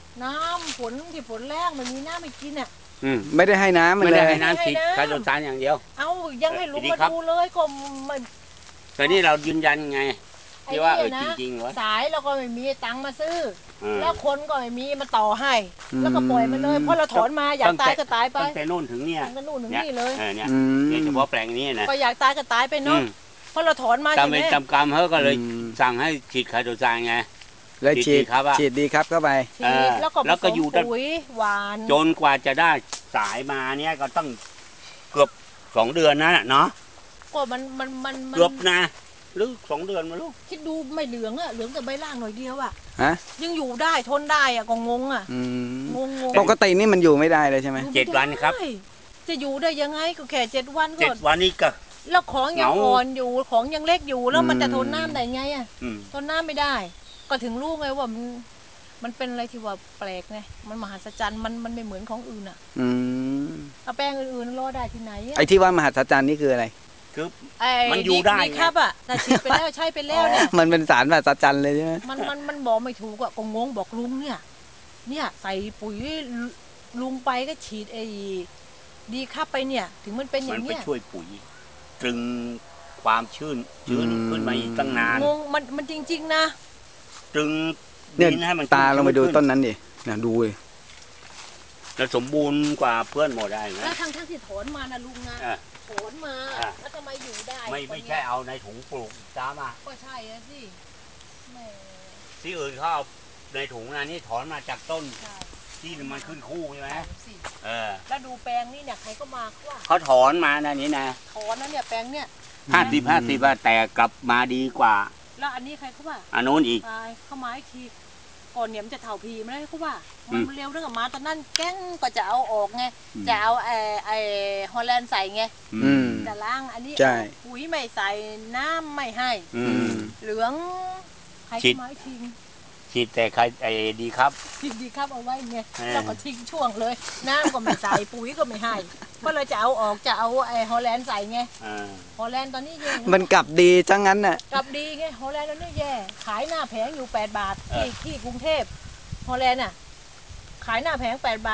น้ำฝนที่ฝนแรงมันมีน้ำไม่กินอ่ะไม่ได้ให้น้ำมันเลยไม่ได้ให้น้ำฉีดคาร์โดซานอย่างเดียวเอายังให้ลุงมาดูเลยก็มันแต่นี่เรายืนยันไงที่ว่าจริงๆเหรอสายเราก็ไม่มีตังค์มาซื้อแล้วคนก็ไม่มีมาต่อให้แล้วก็ปล่อยมันเลยเพราะเราถอนมาอยากตายก็ตายไปตั้งแต่นู่นถึงเนี่ยตั้งแต่นู่นถึงนี่เลยเนี่ยเฉพาะแปลงนี้นะก็อยากตายก็ตายไปเนาะเพราะเราถอนมาใช่ไหมตามกรรมเขาก็เลยสั่งให้ฉีดคาร์โดซานไงเลยฉีดดีครับเข้าไปแล้วก็อยู่ปุ๋ยหวานจนกว่าจะได้สายมาเนี่ยก็ต้องเกือบ2 เดือนนะเนาะก็มันเกือบนะหรือ2 เดือนมาลูกคิดดูไม่เหลืองอะเหลืองแต่ใบล่างหน่อยเดียวอะยังอยู่ได้ทนได้อะก็งงอะงงปกตินี่มันอยู่ไม่ได้เลยใช่ไหม 7 วันครับจะอยู่ได้ยังไงก็แค่7 วันก็ 7 วันนี่ก็แล้วของยังอ่อนอยู่ของยังเล็กอยู่แล้วมันจะทนน้ำได้ไงอะทนน้ำไม่ได้ก็ถึงรู้ไงว่ามันเป็นอะไรที่ว่าแปลกไงมันมหัศจรรย์มันไม่เหมือนของอื่นอ่ะเอาแป้งอื่นๆรอได้ที่ไหนไอ้ที่ว่ามหัศจรรย์นี่คืออะไรคือมันอยู่ได้ครับอ่ะแต่ฉีดไปแล้วใช้ไปแล้วเนี่ยมันเป็นสารมหัศจรรย์เลยใช่ไหมมันบอกไม่ถูกอ่ะก็งงบอกลุงเนี่ยใส่ปุ๋ยลุงไปก็ฉีดไอ้ดีครับไปเนี่ยถึงมันเป็นอย่างเนี้ยมันไปช่วยปุ๋ยตรึงความชื้นขึ้นมาอีกตั้งนานงงมันจริงๆนะตรึงเนี่ยตาเราไปดูต้นนั้นดินะดูเลยแล้วสมบูรณ์กว่าเพื่อนหมดได้ไหมแล้วทั้งที่ถอนมานะลุงนะถอนมาแล้วทำไมอยู่ได้ไม่ใช่เอาในถุงปลูกจ้ามาก็ใช่สิที่อื่นเขาเอาในถุงนะนี่ถอนมาจากต้นที่มันขึ้นคู่ใช่ไหมแล้วดูแปลงนี่เนี่ยใครก็มาเขาถอนมานะนี่นะถอนนะเนี่ยแปลงเนี่ย 50แต่กลับมาดีกว่าแล้วอันนี้ใครเขาว่าอันนู้นอีกเข้ามาอีกทีก่อนเนี่ยมันจะเถ่าพีไม่ได้เขาว่ามันเร็วเรื่องมาตอนนั้นแก้งก็จะเอาออกไงจะเอาไอฮอลแลนด์ใส่ไงจะล้างอันนี้ปุ๋ยไม่ใส่น้ำไม่ให้เหลืองใครเข้ามาอีกทีฉีดแต่ใครดีครับดีครับเอาไว้ไงแล้วก็ทิ้งช่วงเลยน้ำก็ไม่ใส่ปุ๋ยก็ไม่ให้ก็เลยจะเอาออกจะเอาไอฮอลแลนด์ใส่ไงฮอลแลนด์ตอนนี้แย่มันกลับดีจังงั้นน่ะกลับดีไงฮอลแลนด์ตอนนี้แย่ขายหน้าแผงอยู่8 บาทที่กรุงเทพฮอลแลนด์น่ะขายหน้าแผง8 บาท